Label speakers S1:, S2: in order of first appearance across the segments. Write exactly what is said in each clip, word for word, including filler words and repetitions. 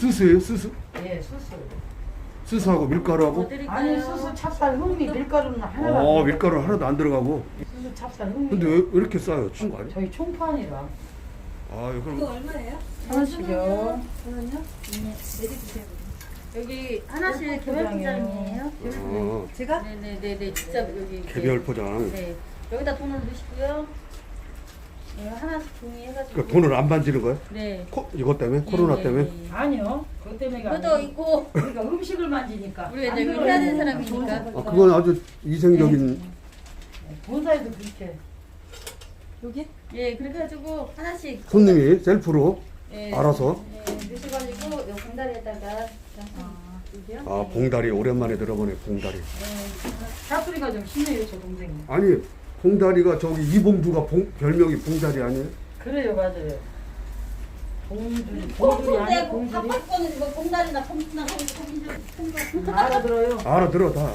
S1: 수수예요? 수수?
S2: 예, 수수.
S1: 수수하고 밀가루하고?
S2: 아니, 수수, 찹쌀, 흑미, 밀가루는 하나도 안
S1: 어,
S2: 들어가요.
S1: 밀가루 하나도 안 들어가고.
S2: 수수, 찹쌀, 흑미.
S1: 근데 왜, 왜 이렇게 싸요? 춘 거 아니야?
S2: 저희 총판이라.
S1: 아,
S3: 이거
S1: 그럼
S3: 얼마예요?
S2: 하나씩요.
S3: 저는요? 네, 내리주세요.
S4: 여기 하나씩
S2: 어,
S4: 개별
S2: 포장이에요.
S4: 포장이에요.
S1: 어,
S3: 제가?
S4: 네네네네 진짜 여기 이렇게.
S1: 개별 포장.
S4: 네 여기다 돈을 넣으시고요. 네, 하나씩 종이 해가지고.
S1: 그러니까 돈을 안 만지는 거야?
S4: 네.
S1: 코, 이것 때문에?
S4: 예,
S1: 코로나
S4: 예,
S1: 때문에?
S4: 예, 예.
S2: 아니요. 그것 때문에가
S4: 그것도
S2: 아니고
S4: 있고
S2: 우리가 음식을 만지니까.
S4: 우리가
S2: 안
S4: 이제
S2: 들어요.
S4: 해야 되는 사람이니까.
S1: 아, 그건 아주 이생적인.
S2: 본사에도 그렇게.
S3: 여기?
S4: 예 그렇게 해가지고 하나씩.
S1: 손님이 셀프로
S4: 예,
S1: 알아서.
S4: 예 넣으셔가지고 요 봉다리에다가.
S3: 아, 여기요?
S1: 아, 봉다리 오랜만에 들어보네, 봉다리.
S2: 사투리가 좀 심해요, 저 동생이.
S1: 아니, 봉다리가 저기 이봉주가 봉, 별명이 봉다리 아니에요?
S2: 그래요, 맞아요. 봉줄이, 봉줄이
S4: 봉다리
S2: 아니야, 봉줄이.
S4: 바빠거는 뭐 봉다리나 봉투나 봉줄.
S2: 알아들어요.
S1: 알아들어, 다.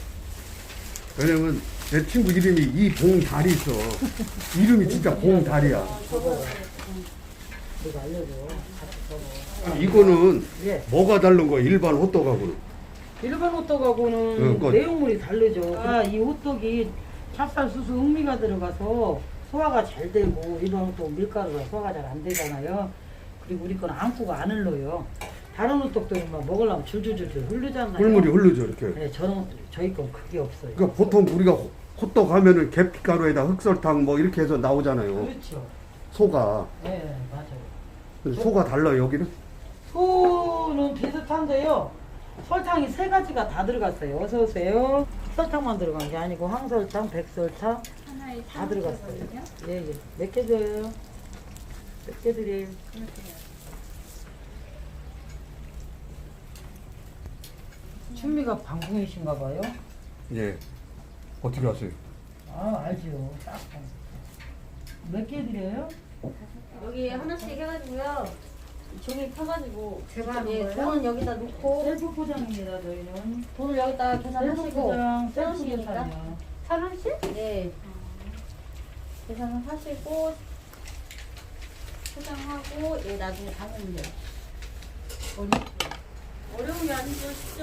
S1: 왜냐면 내 친구 이름이 이봉다리 있어. 이름이 진짜 봉다리야.
S2: 내가 알려줘. 같이 써봐.
S1: 이거는
S2: 예.
S1: 뭐가 다른 거야, 일반 호떡하고는?
S2: 일반 호떡하고는
S1: 응, 그거-
S2: 내용물이 다르죠. 아, 이 호떡이 찹쌀, 수수, 흑미가 들어가서 소화가 잘 되고 일반 호떡 밀가루가 소화가 잘 안 되잖아요. 그리고 우리 건 안구가 안 흘러요. 다른 호떡들은 막 먹으려면 줄줄줄줄 흐르잖아요.
S1: 꿀물이 흐르죠, 이렇게.
S2: 네, 저는 저희 건 그게 없어요.
S1: 그러니까 보통 우리가 호- 호떡 하면은 계피가루에다 흑설탕 뭐 이렇게 해서 나오잖아요.
S2: 그렇죠.
S1: 소가.
S2: 네, 맞아요.
S1: 근데 소가 달라요, 여기는?
S2: 소는 비슷한데요. 설탕이 세 가지가 다 들어갔어요. 어서 오세요. 설탕만 들어간 게 아니고 황설탕, 백설탕
S3: 하나에
S2: 다 들어갔어요.
S3: 삼
S2: 예, 예. 몇 개 줘요? 몇 개 드려요? 춘미가 방송이신가 봐요?
S1: 예. 어떻게 하세요?
S2: 아, 알죠. 딱. 몇 개 드려요?
S4: 여기 하나씩 해가지고요. 종이 펴가지고.
S3: 제가 하는
S4: 예,
S3: 거예요?
S4: 돈은 여기다 놓고.
S2: 셀프 포장입니다, 저희는.
S4: 돈을 여기다
S2: 셀프
S4: 계산하시고.
S2: 포장, 셀프
S4: 원씩이니까.
S2: 계산이요.
S4: 천 원씩? 네. 계산을 하시고 포장하고 예 나중에 담으면 돼요. 어려 어려운 게 아니죠, 쉽죠.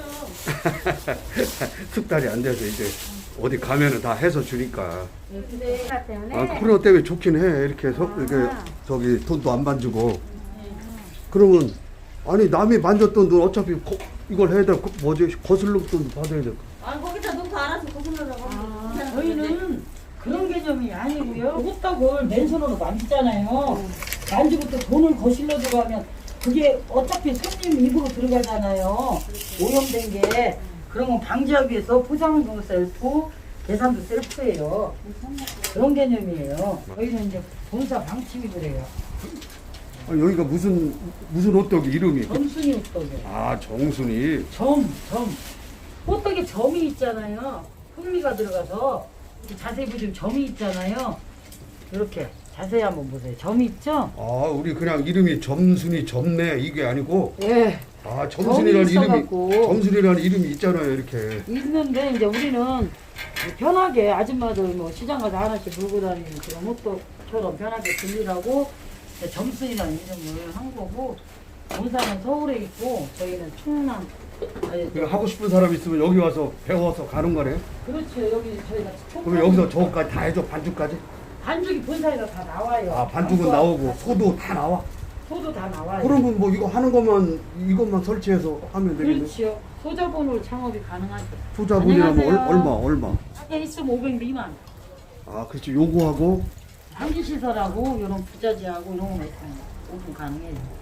S1: 숙달이 안 돼서 이제 어디 가면은 다 해서 주니까.
S4: 네, 근데
S3: 하나 때문에.
S1: 아, 코로나 때문에 좋긴 해. 이렇게, 서, 이렇게 저기 돈도 안 만지고. 그러면 아니 남이 만졌던 돈 어차피 거, 이걸 해야 돼. 그 뭐지? 거슬러 돈 받아야 돼.
S4: 아 거기다 놓고 알아서 거슬러라고.
S2: 아, 저희는 그런 개념이 아니고요. 호떡을 맨손으로 만지잖아요. 만지고 또 돈을 거실러 들어가면 그게 어차피 손님 입으로 들어가잖아요. 오염된 게. 그런 건 방지하기 위해서 포장도 셀프, 계산도 셀프예요. 그런 개념이에요. 저희는 이제 본사 방침이 그래요.
S1: 아, 여기가 무슨 무슨 호떡이 이름이?
S2: 점순이 호떡이에요.
S1: 아, 정순이.
S2: 점, 점. 호떡에 점이 있잖아요. 흑미가 들어가서 이렇게 자세히 보시면 점이 있잖아요. 이렇게 자세히 한번 보세요. 점이 있죠?
S1: 아, 우리 그냥 이름이 점순이 점네 이게 아니고.
S2: 예.
S1: 아, 점순이라는
S2: 점이
S1: 이름이
S2: 있어갖고.
S1: 점순이라는 이름이 있잖아요, 이렇게.
S2: 있는데 이제 우리는 편하게 아줌마들 뭐 시장 가서 하나씩 물고 다니는 그런 호떡처럼 편하게 들리라고 이제 점순이라는 이름을 한 거고, 본사는 서울에 있고 저희는 충남. 아니,
S1: 그러니까 하고 싶은 사람 있으면 여기 와서 배워서 가는 거네.
S2: 그렇죠. 여기 저희가
S1: 그럼 여기서 저거까지 다 해줘, 반죽까지?
S2: 반죽이 본사에서 다 나와요.
S1: 아, 반죽은 나오고 소도 다 나와.
S2: 소도 다 나와요.
S1: 그러면 뭐 이거 하는 것만 이것만 설치해서 하면 되겠네.
S2: 그렇지요. 소자본으로 창업이 가능하죠.
S1: 투자분이라면 얼,
S2: 안녕하세요.
S1: 얼마 얼마?
S2: 하게 있으면 오백 미만.
S1: 아, 그렇지. 요거하고
S2: 한기시설하고 이런 부자재하고 이런 거 있으면 오픈 가능해요.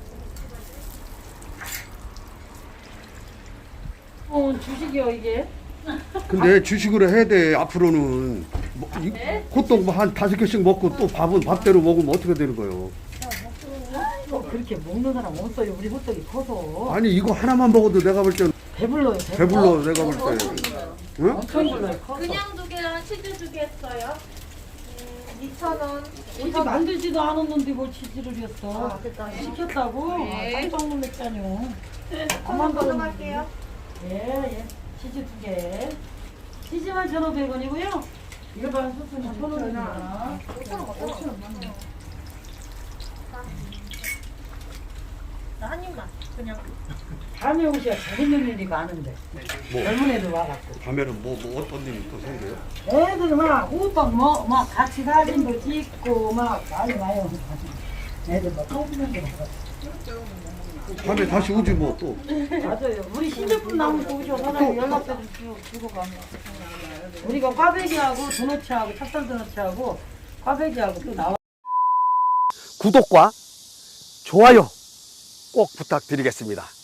S2: 어, 주식이요 이게.
S1: 근데 주식으로 해야 돼. 앞으로는 뭐, 이, 호떡 뭐 한 다섯 개씩 먹고 또 밥은 밥대로 먹으면 어떻게 되는 거예요?
S2: 어, 그렇게 먹는 사람 없어요. 우리 호떡이 커서.
S1: 아니 이거 하나만 먹어도 내가 볼 때는
S2: 배불러요.
S1: 배불러. 내가 볼 때. 응?
S2: 엄청 불러요. 커서.
S4: 그냥 두 개랑 치즈 두 개 했어요. 음, 이천 원.
S2: 치즈 만들지도 않았는데 뭘 치즈를 했어.
S4: 아, 됐다.
S2: 시켰다고?
S4: 네.
S2: 아, 깜짝 놀랐잖아요.
S4: 한번 걷어갈게요.
S2: 예, 예. 치즈 두 개. 치즈만 천오백 원이고요. 일반 소스는 천 원입니다.
S4: 오천 원, 오천 원. 한 입만 그냥.
S2: 밤에 오셔야 재밌는 일이 많은데.
S1: 뭐?
S2: 젊은 애들 와갖고.
S1: 밤에는 뭐, 뭐 어떤 일이 또 생겨요?
S2: 애들 막 호떡 뭐, 막 같이 사진도 찍고 막 많이 와요. 애들 막 떠드는 거 봐가지고.
S1: 밤에 다시 오지 뭐 또.
S2: 맞아요. 우리 신제품 나오면 또 오셔. 사장님 연락처 주, 주고 가면. 우리가 꽈배기하고 도너츠하고 찹쌀 도너츠하고 꽈배기하고 또 나와.
S5: 구독과 좋아요 꼭 부탁드리겠습니다.